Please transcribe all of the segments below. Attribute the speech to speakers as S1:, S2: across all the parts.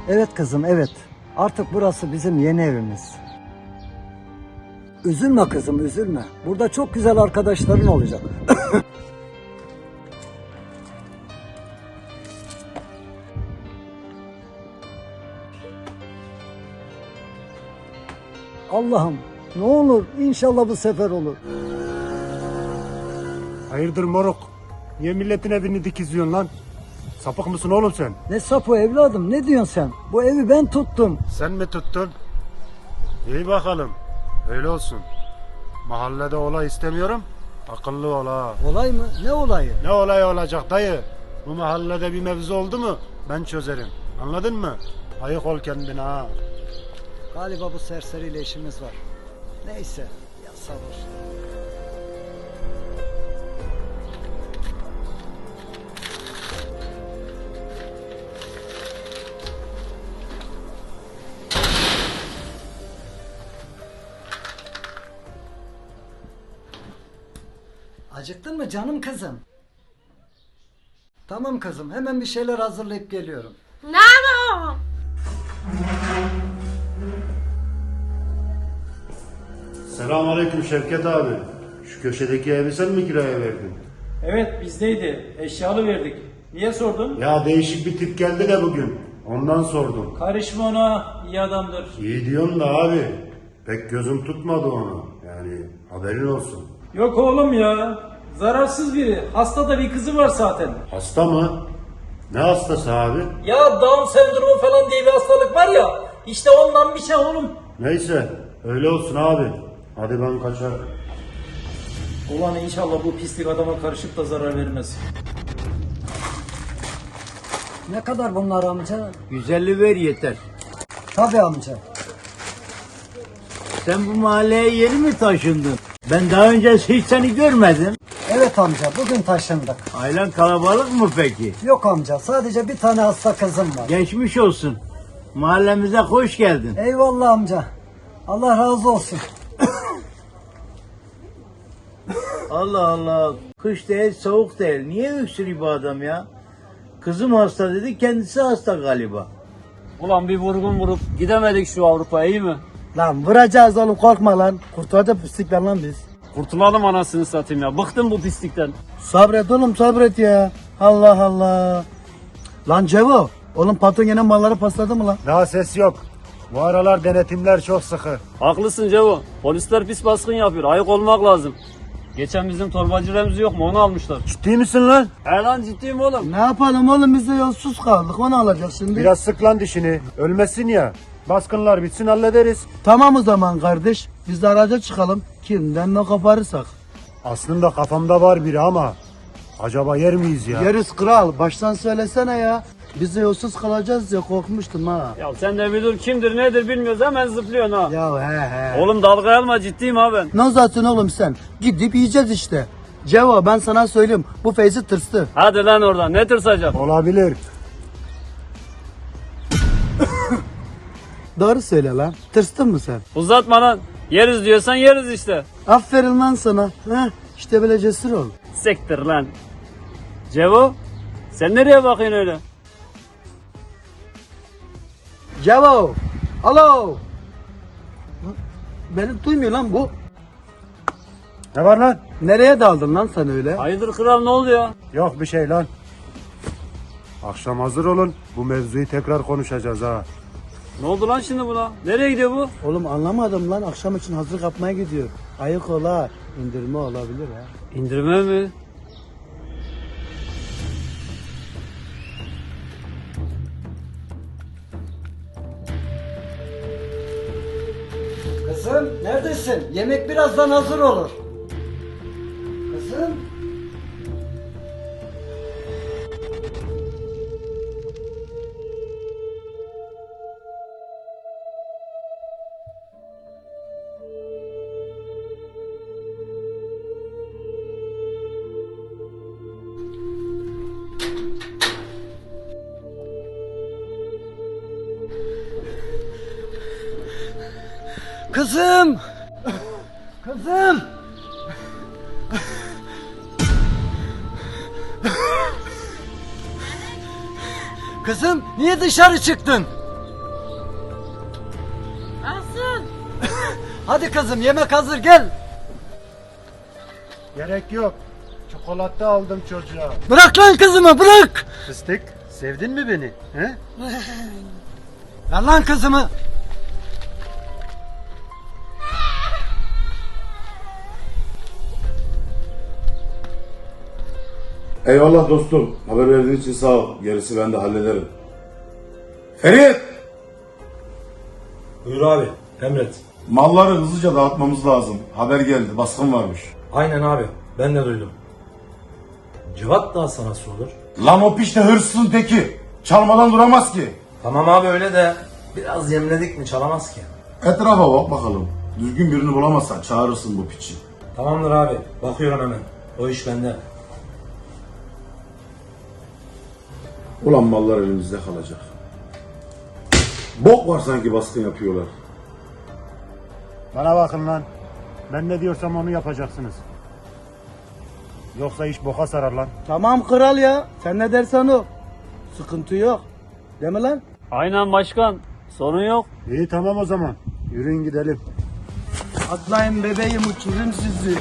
S1: Evet kızım, evet. Artık burası bizim yeni evimiz. Üzülme kızım, üzülme. Burada çok güzel arkadaşların olacak. Allah'ım, ne olur inşallah bu sefer olur.
S2: Hayırdır moruk? Niye milletin evini dikizliyorsun lan? Sapık mısın oğlum sen?
S1: Ne sapı evladım, ne diyorsun sen? Bu evi ben tuttum.
S2: Sen mi tuttun? İyi bakalım. Öyle olsun. Mahallede olay istemiyorum. Akıllı ol ha.
S1: Olay mı? Ne olayı?
S2: Ne olay olacak dayı? Bu mahallede bir mevzu oldu mu ben çözerim. Anladın mı? Ayık ol kendine ha.
S1: Galiba bu serseriyle işimiz var. Neyse, ya sabır. Acıktın mı canım kızım? Tamam kızım, hemen bir şeyler hazırlayıp geliyorum.
S3: Ne yapalım?
S2: Selamünaleyküm Şevket abi. Şu köşedeki evi sen mi kiraya verdin?
S4: Evet bizdeydi. Eşyalı verdik. Niye sordun?
S2: Ya değişik bir tip geldi de bugün. Ondan sordum.
S4: Karışma ona. İyi adamdır.
S2: İyi diyorsun da abi. Pek gözüm tutmadı onu. Yani haberin olsun.
S4: Yok oğlum ya. Zararsız biri. Hasta da bir kızı var zaten.
S2: Hasta mı? Ne hastası abi?
S4: Ya Down sendromu falan diye bir hastalık var ya. İşte ondan bir şey oğlum.
S2: Neyse öyle olsun abi. Hadi ben kaçar.
S4: Ulan inşallah bu pislik adama karışıp da zarar vermez.
S1: Ne kadar bunlar amca?
S5: 150 ver yeter.
S1: Tabii amca.
S5: Sen bu mahalleye yeni mi taşındın? Ben daha önce hiç seni görmedim.
S1: Evet amca, bugün taşındık.
S5: Ailen kalabalık mı peki?
S1: Yok amca, sadece bir tane hasta kızım var.
S5: Geçmiş olsun. Mahallemize hoş geldin.
S1: Eyvallah amca. Allah razı olsun.
S5: Allah Allah. Kış değil, soğuk değil. Niye öksürüyor bu adam ya? Kızım hasta dedi, kendisi hasta galiba.
S6: Ulan bir vurgun vurup gidemedik şu Avrupa'ya, iyi mi?
S1: Lan vuracağız oğlum, korkma lan. Kurtulacak pislikler lan biz.
S6: Kurtulalım anasını satayım ya. Bıktım bu pislikten.
S1: Sabret oğlum, sabret ya. Allah Allah. Lan Cevo, oğlum patron yine malları pasladı mı lan?
S2: Daha ses yok. Bu aralar denetimler çok sıkı.
S6: Haklısın Cevo. Polisler pis baskın yapıyor. Ayık olmak lazım. Geçen bizim torbacı Remzi yok mu? Onu almışlar.
S2: Ciddi misin lan?
S6: He lan ciddiyim oğlum.
S1: Ne yapalım oğlum, biz de yolsuz kaldık, onu alacağız şimdi.
S2: Biraz sık lan dişini. Ölmesin ya. Baskınlar bitsin hallederiz.
S1: Tamam o zaman kardeş, biz de araca çıkalım. Kimden ne koparırsak.
S2: Aslında kafamda var biri ama acaba yer miyiz ya?
S1: Yeriz kral, baştan söylesene ya. Biz de yolsuz kalacağız ya, korkmuştum ha.
S6: Ya sen de bir dur, kimdir nedir bilmiyoruz, hemen zıplıyorsun ha.
S1: Ya he.
S6: Oğlum dalga alma, ciddiyim ha ben.
S1: Ne uzatsın oğlum sen? Gidip yiyeceğiz işte. Cevo, ben sana söyleyeyim, bu Feyzi tırstı.
S6: Hadi lan oradan, ne tırsacak?
S2: Olabilir.
S1: Doğru söyle lan. Tırstın mı sen?
S6: Uzatma lan. Yeriz diyorsan yeriz işte.
S1: Aferin lan sana. Heh, işte böyle cesur ol.
S6: Sektir lan. Cevo, sen nereye bakıyorsun öyle?
S1: Cevo. Alo. Beni duymuyor lan bu.
S2: Ne var lan?
S1: Nereye daldın lan sen öyle?
S6: Hayırdır kral, ne oldu ya?
S2: Yok bir şey lan. Akşam hazır olun. Bu mevzuyu tekrar konuşacağız ha.
S6: Ne oldu lan şimdi buna? Nereye gidiyor bu?
S1: Oğlum anlamadım lan, akşam için hazırlık yapmaya gidiyor. Ayık ol ha. İndirme olabilir ha.
S6: İndirme mi?
S1: Kızım neredesin? Yemek birazdan hazır olur. Kızım. Kızım! Kızım! Kızım niye dışarı çıktın? Hadi kızım yemek hazır gel.
S2: Gerek yok. Çikolata aldım çocuğa.
S1: Bırak lan kızımı bırak.
S2: Fıstık, sevdin mi beni? He?
S1: Ver lan kızımı.
S3: Eyvallah dostum. Haber verdiğin için sağ ol. Gerisi ben de hallederim. Ferit!
S7: Buyur abi, emret.
S3: Malları hızlıca dağıtmamız lazım. Haber geldi. Baskın varmış.
S7: Aynen abi, ben de duydum. Cevat da sana nasıl olur?
S3: Lan o piç de hırsızın teki. Çalmadan duramaz ki.
S7: Tamam abi öyle de biraz yemledik mi çalamaz ki.
S3: Etrafa bak bakalım. Düzgün birini bulamazsan çağırırsın bu piçi.
S7: Tamamdır abi, bakıyorum hemen. O iş bende.
S3: Ulan mallar elimizde kalacak. Bok var sanki baskın yapıyorlar.
S2: Bana bakın lan. Ben ne diyorsam onu yapacaksınız. Yoksa iş boka sarar lan.
S1: Tamam kral ya. Sen ne dersen o. Sıkıntı yok. Değil mi lan?
S6: Aynen başkan. Sorun yok.
S2: İyi tamam o zaman. Yürüyün gidelim.
S1: Atlayın bebeğim uçurum sizi.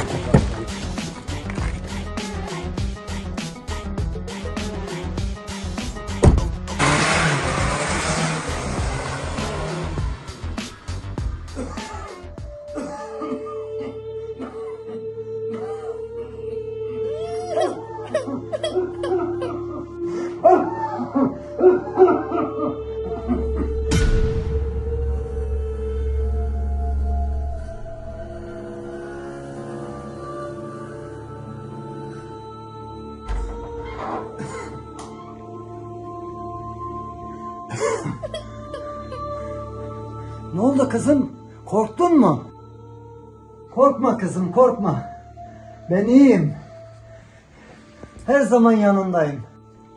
S8: Ne oldu kızım? Korktun mu? Korkma kızım, korkma. Ben iyiyim. Her zaman yanındayım.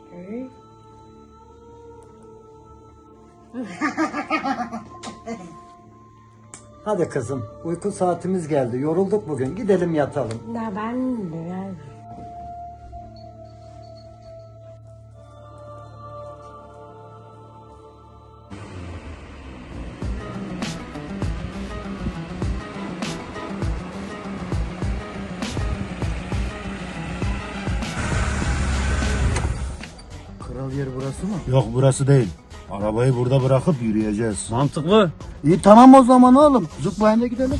S8: Hadi kızım, uyku saatimiz geldi. Yorulduk bugün. Gidelim yatalım.
S9: Da ben biraz
S1: Kral yer burası mı?
S2: Yok burası değil. Arabayı burada bırakıp yürüyeceğiz.
S6: Mantıklı.
S1: İyi tamam o zaman oğlum. Zıplayın da gidelim.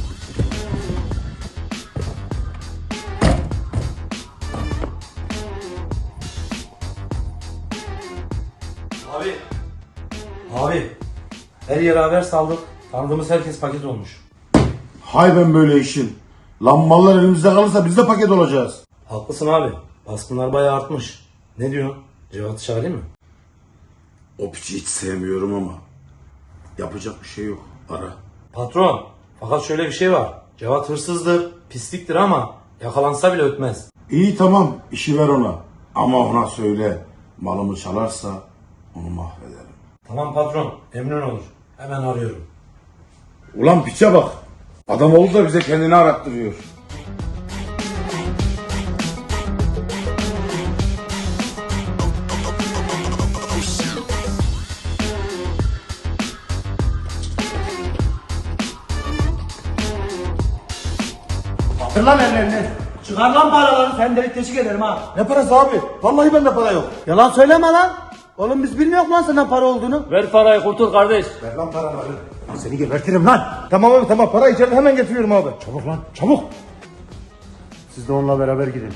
S7: Abi. Abi. Her yere haber saldık. Tanıdığımız herkes paket olmuş.
S3: Hay ben böyle işin. Lan mallar elimizde kalırsa biz de paket olacağız.
S7: Haklısın abi. Baskınlar bayağı artmış. Ne diyorsun? Cevat'ı çağırayım mı?
S3: O piçi hiç sevmiyorum ama. Yapacak bir şey yok. Ara.
S7: Patron. Fakat şöyle bir şey var. Cevat hırsızdır, pisliktir ama yakalansa bile ötmez.
S3: İyi tamam işi ver ona. Ama ona söyle. Malımı çalarsa onu mahvederim.
S7: Tamam patron. Emrin olur. Hemen arıyorum.
S3: Ulan piçe bak. Adam oldu da bize kendini arattırıyor.
S1: Kaldır lan ellerini. Çıkar lan paraları. Sen delik teşvik ederim ha.
S3: Ne parası abi? Vallahi bende para yok.
S1: Yalan söyleme lan. Oğlum biz bilmiyoruz lan senden para olduğunu.
S6: Ver parayı kurtul kardeş.
S3: Ver lan paranı.
S2: Seni gebertirim lan.
S3: Tamam abi tamam para içeride hemen getiriyorum abi.
S2: Çabuk lan çabuk. Siz de onunla beraber gidin.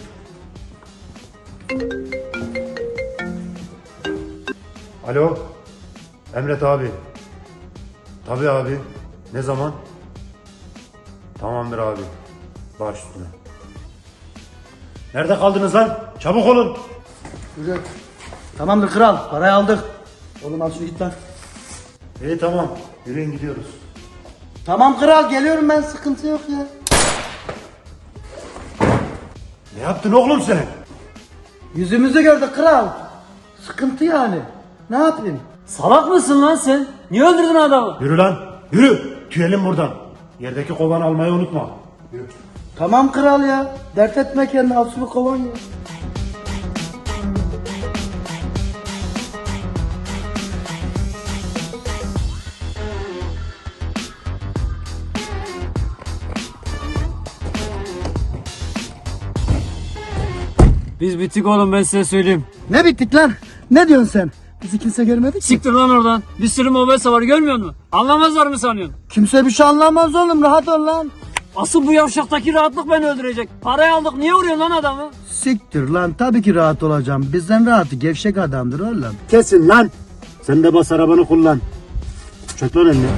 S2: Alo. Emret abi. Tabii abi. Ne zaman? Tamamdır abi. Baş üstüne. Nerede kaldınız lan? Çabuk olun.
S1: Yürü. Tamamdır kral. Parayı aldık. Oğlum al şunu git lan.
S2: İyi tamam. Yürüyün gidiyoruz.
S1: Tamam kral geliyorum ben. Sıkıntı yok ya.
S2: Ne yaptın oğlum sen?
S1: Yüzümüzü gördü kral. Sıkıntı yani. Ne yapayım?
S6: Salak mısın lan sen? Niye öldürdün adamı?
S2: Yürü lan. Yürü. Tüyelim buradan. Yerdeki kovanı almayı unutma.
S1: Tamam kral ya. Dert etme kendini. Al şunu kovan ya.
S6: Biz bittik oğlum, ben size söyleyeyim.
S1: Ne bittik lan? Ne diyorsun sen? Bizi kimse görmedi ki.
S6: Siktir lan oradan. Bir sürü mobese var, görmüyor musun? Anlamazlar mı sanıyorsun?
S1: Kimse bir şey anlamaz oğlum, rahat ol lan.
S6: Asıl bu yavşaktaki rahatlık beni öldürecek. Parayı aldık, niye vuruyorsun lan adamı?
S1: Siktir lan, tabii ki rahat olacağım. Bizden rahatı gevşek adamdır oğlum.
S2: Kesin lan. Sen de bas arabanı kullan. Çök lan elini.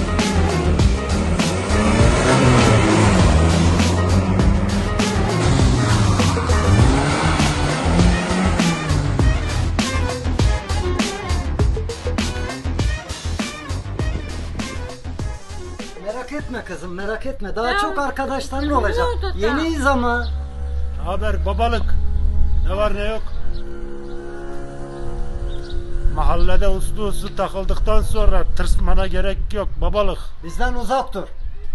S8: Merak etme kızım, merak etme. Daha çok arkadaşların olacak. Yeniyiz ama.
S2: Haber babalık. Ne var ne yok. Mahallede uslu takıldıktan sonra tırsmana gerek yok babalık.
S8: Bizden uzak dur.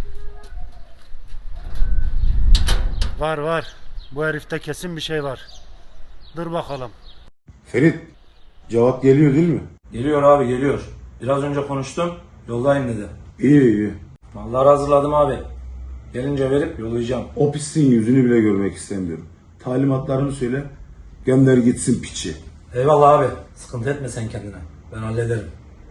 S2: Var. Bu herifte kesin bir şey var. Dur bakalım.
S3: Ferit, cevap geliyor değil mi?
S7: Geliyor abi, geliyor. Biraz önce konuştum. Yoldayım dedi.
S3: İyi.
S7: Malları hazırladım abi. Gelince verip yollayacağım.
S3: O pisliğin yüzünü bile görmek istemiyorum. Talimatlarımı söyle, gönder gitsin piçi.
S7: Eyvallah abi. Sıkıntı etme sen kendine. Ben hallederim.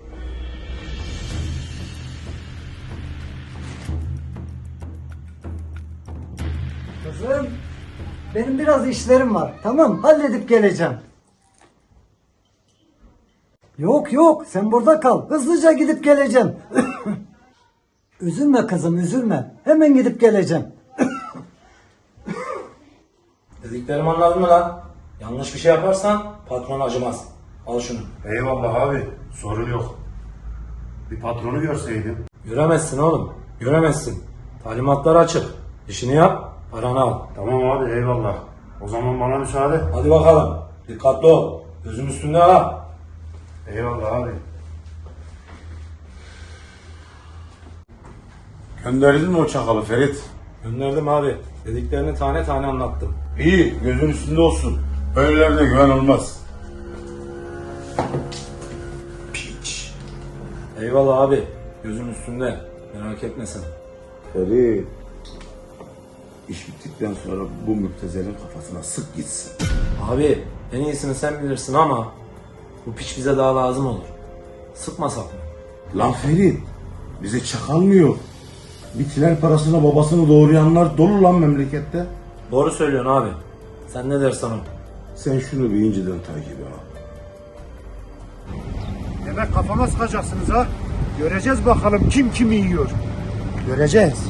S8: Kızım, benim biraz işlerim var. Tamam, halledip geleceğim. Yok, sen burada kal. Hızlıca gidip geleceğim. Üzülme kızım, üzülme. Hemen gidip geleceğim.
S7: Dediklerimi anladın mı lan? Yanlış bir şey yaparsan patron acımaz. Al şunu.
S2: Eyvallah abi. Sorun yok. Bir patronu görseydim.
S7: Göremezsin oğlum. Göremezsin. Talimatlar açık. İşini yap, paranı al.
S2: Tamam abi eyvallah. O zaman bana müsaade.
S7: Hadi bakalım. Dikkatli ol. Gözüm üstünde ha.
S2: Eyvallah abi.
S3: Gönderdin mi o çakalı Ferit?
S7: Gönderdim abi. Dediklerini tane tane anlattım.
S3: İyi, gözün üstünde olsun. Böylelerine güven olmaz. Piç.
S7: Eyvallah abi. Gözüm üstünde. Merak etme sen.
S3: Ferit, iş bittikten sonra bu müptezelin kafasına sık gitsin.
S7: Abi en iyisini sen bilirsin ama bu piç bize daha lazım olur. Sıkmasak mı?
S3: Lan Ferit, bize çakal mı yok? Bitiler parasına babasını doğrayanlar dolu lan memlekette.
S7: Doğru söylüyorsun abi. Sen ne dersen o.
S3: Sen şunu bir inceden takip et.
S2: Demek kafama sıkacaksınız ha. Göreceğiz bakalım kim kimi yiyor.
S1: Göreceğiz.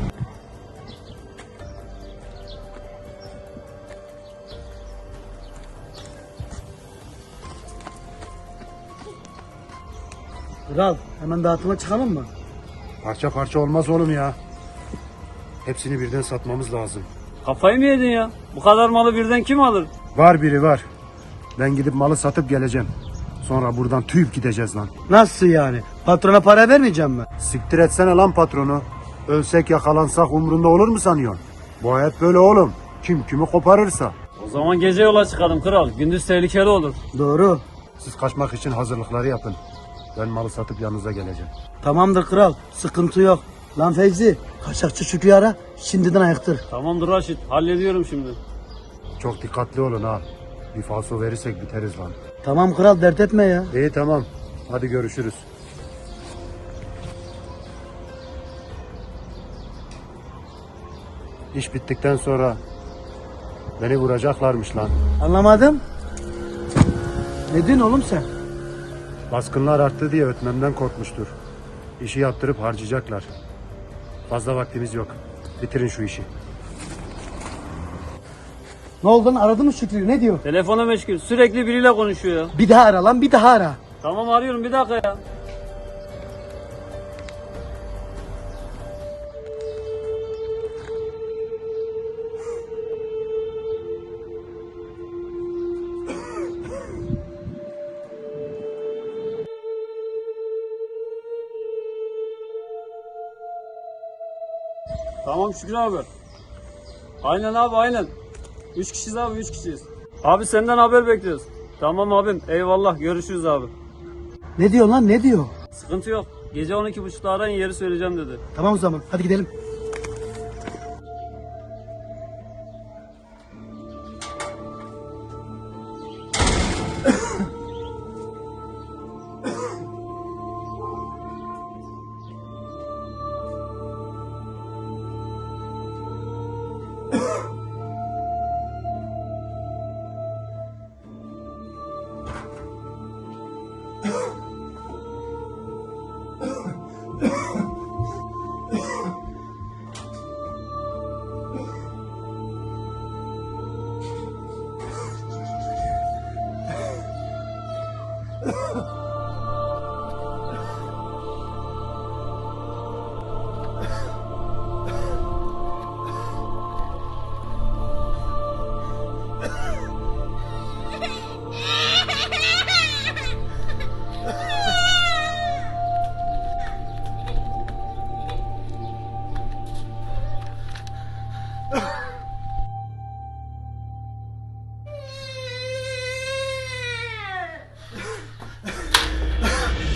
S1: Kral, hemen dağıtıma çıkalım mı?
S2: Parça parça olmaz oğlum ya. Hepsini birden satmamız lazım.
S6: Kafayı mı yedin ya? Bu kadar malı birden kim alır?
S2: Var biri var. Ben gidip malı satıp geleceğim. Sonra buradan tüyüp gideceğiz lan.
S1: Nasıl yani? Patrona para vermeyeceğim mi?
S2: Siktir etsene lan patronu. Ölsek yakalansak umrunda olur mu sanıyorsun? Bu hayat böyle oğlum. Kim kimi koparırsa.
S6: O zaman gece yola çıkalım kral. Gündüz tehlikeli olur.
S1: Doğru.
S2: Siz kaçmak için hazırlıkları yapın. Ben malı satıp yanınıza geleceğim.
S1: Tamamdır kral, sıkıntı yok. Lan Fevzi, kaçakçı Şükrü'yü ara, şimdiden ayıktır.
S6: Tamamdır Raşit. Hallediyorum şimdi.
S2: Çok dikkatli olun ha. Bir falso verirsek biteriz lan.
S1: Tamam kral, dert etme ya.
S2: İyi tamam. Hadi görüşürüz. İş bittikten sonra beni vuracaklarmış lan.
S1: Anlamadım. Ne diyorsun oğlum sen?
S2: Baskınlar arttı diye ötmemden korkmuştur. İşi yaptırıp harcayacaklar. Fazla vaktimiz yok. Bitirin şu işi.
S1: Ne oldu lan, aradın mı Şükrü'yü, ne diyor?
S6: Telefona meşgul. Sürekli biriyle konuşuyor ya.
S1: Bir daha ara lan, bir daha ara.
S6: Tamam arıyorum, bir dakika ya. Tamam Şükrü abi. Aynen abi aynen. 3 kişiyiz abi, 3 kişiyiz. Abi senden haber bekliyoruz. Tamam abim, eyvallah, görüşürüz abi.
S1: Ne diyor lan, ne diyor?
S6: Sıkıntı yok. Gece 12.30'da arayın, yeri söyleyeceğim dedi.
S1: Tamam o zaman, hadi gidelim.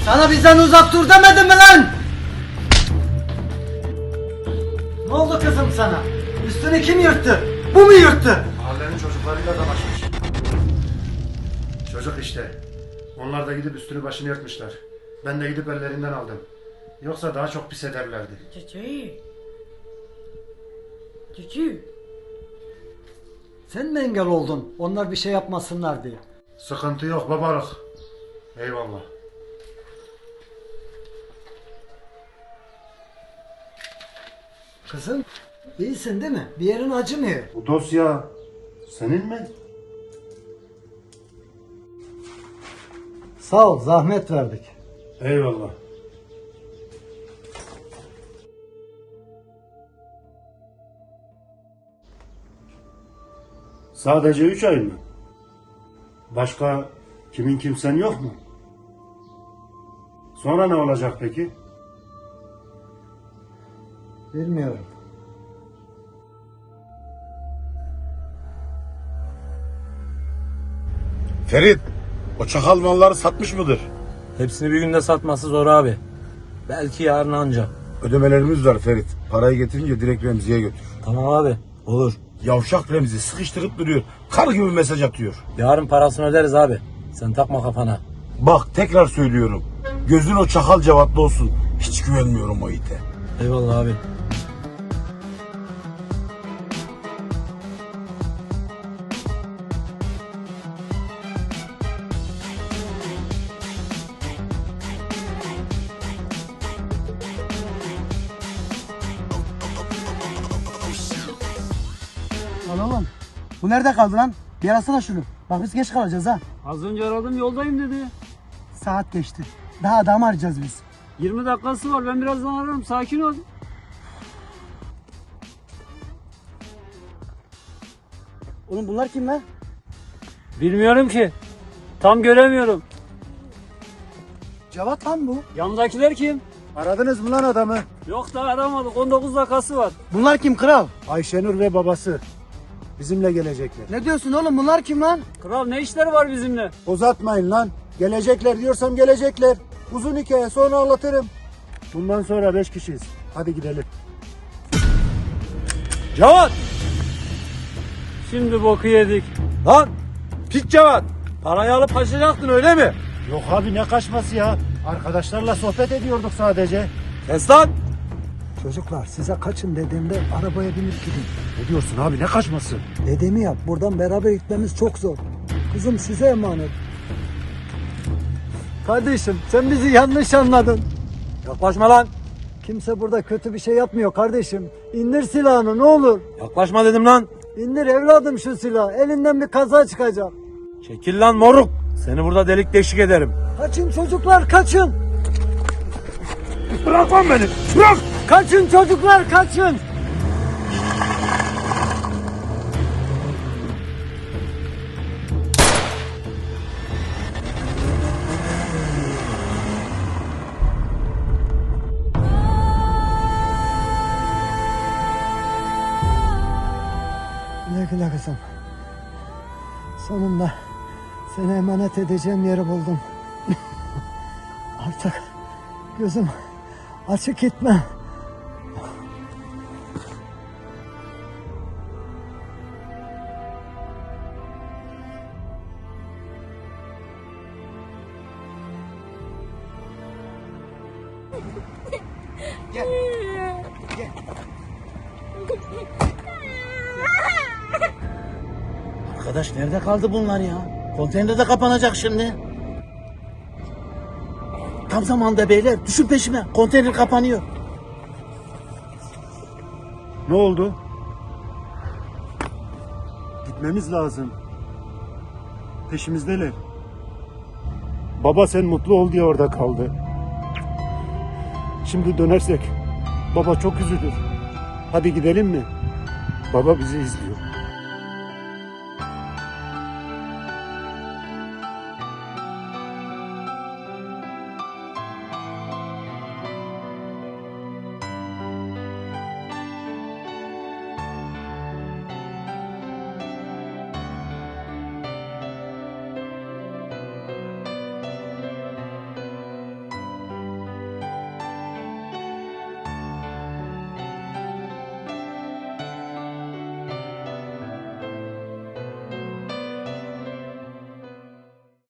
S1: Sana bizden uzak dur demedim mi lan?
S8: Ne oldu kızım sana? Üstünü kim yırttı? Bu mu yırttı?
S2: Mahallenin çocuklarıyla dalaşmış. Çocuk işte. Onlar da gidip üstünü başını yırtmışlar. Ben de gidip ellerinden aldım. Yoksa daha çok pis ederlerdi.
S9: Cici. Cici.
S8: Sen mi engel oldun? Onlar bir şey yapmasınlar diye.
S2: Sıkıntı yok babalık. Eyvallah.
S8: Kızım, iyisin değil mi? Bir yerin acımıyor.
S2: Bu dosya senin mi?
S8: Sağ ol, zahmet verdik.
S2: Eyvallah. Sadece 3 ay mı? Başka kimin kimsen yok mu? Sonra ne olacak peki?
S8: Bilmiyorum.
S3: Ferit, o çakal malları satmış mıdır?
S7: Hepsini bir günde satması zor abi. Belki yarın anca.
S3: Ödemelerimiz var Ferit. Parayı getirince direkt Remzi'ye götür.
S7: Tamam abi. Olur.
S3: Yavşak Remzi sıkıştırıp duruyor. Kar gibi mesaj atıyor.
S7: Yarın parasını öderiz abi. Sen takma kafana.
S3: Bak tekrar söylüyorum. Gözün o çakal Cevat'ta olsun. Hiç güvenmiyorum o ite.
S7: Eyvallah abi.
S1: Lan oğlum bu nerede kaldı lan? Bir arasana şunu. Bak biz geç kalacağız ha.
S6: Az önce aradım yoldayım dedi.
S1: Saat geçti. Daha adam arayacağız biz.
S6: 20 dakikası var ben birazdan ararım sakin ol.
S1: Oğlum bunlar kim lan?
S6: Bilmiyorum ki. Tam göremiyorum.
S1: Cevat lan bu.
S6: Yandakiler kim?
S2: Aradınız mı lan adamı?
S6: Yok daha aramadık 19 dakikası var.
S1: Bunlar kim kral?
S2: Ayşenur ve babası. Bizimle gelecekler.
S1: Ne diyorsun oğlum bunlar kim lan?
S6: Kral ne işleri var bizimle?
S2: Uzatmayın lan. Gelecekler diyorsam gelecekler. Uzun hikaye sonra anlatırım. Bundan sonra 5 kişiyiz. Hadi gidelim.
S7: Cevat!
S6: Şimdi boku yedik.
S7: Lan! Pis Cevat! Parayı alıp kaçacaktın öyle mi?
S2: Yok abi ne kaçması ya. Arkadaşlarla sohbet ediyorduk sadece.
S7: Kes lan!
S8: Çocuklar size kaçın dediğimde arabaya binip gidin.
S2: Ne diyorsun abi ne kaçması?
S8: Dediğimi yap. Buradan beraber gitmemiz çok zor. Kızım size emanet. Kardeşim sen bizi yanlış anladın.
S7: Yaklaşma lan!
S8: Kimse burada kötü bir şey yapmıyor kardeşim. İndir silahını ne olur.
S7: Yaklaşma dedim lan!
S8: İndir evladım şu silahı. Elinden bir kaza çıkacak.
S7: Çekil lan moruk! Seni burada delik deşik ederim.
S8: Kaçın çocuklar kaçın.
S3: Bırak lan beni. Bırak.
S8: Kaçın çocuklar kaçın. Güle güle kızım. Sonunda seni emanet edeceğim yeri buldum. Artık gözüm açık gitme.
S5: Arkadaş nerede kaldı bunlar ya? Konteyner de kapanacak şimdi. Tam zamanda beyler düşün peşime. Konteyner kapanıyor.
S2: Ne oldu? Gitmemiz lazım. Peşimizdeler. Baba sen mutlu ol diye orada kaldı. Şimdi dönersek baba çok üzülür. Hadi gidelim mi? Baba bizi izliyor.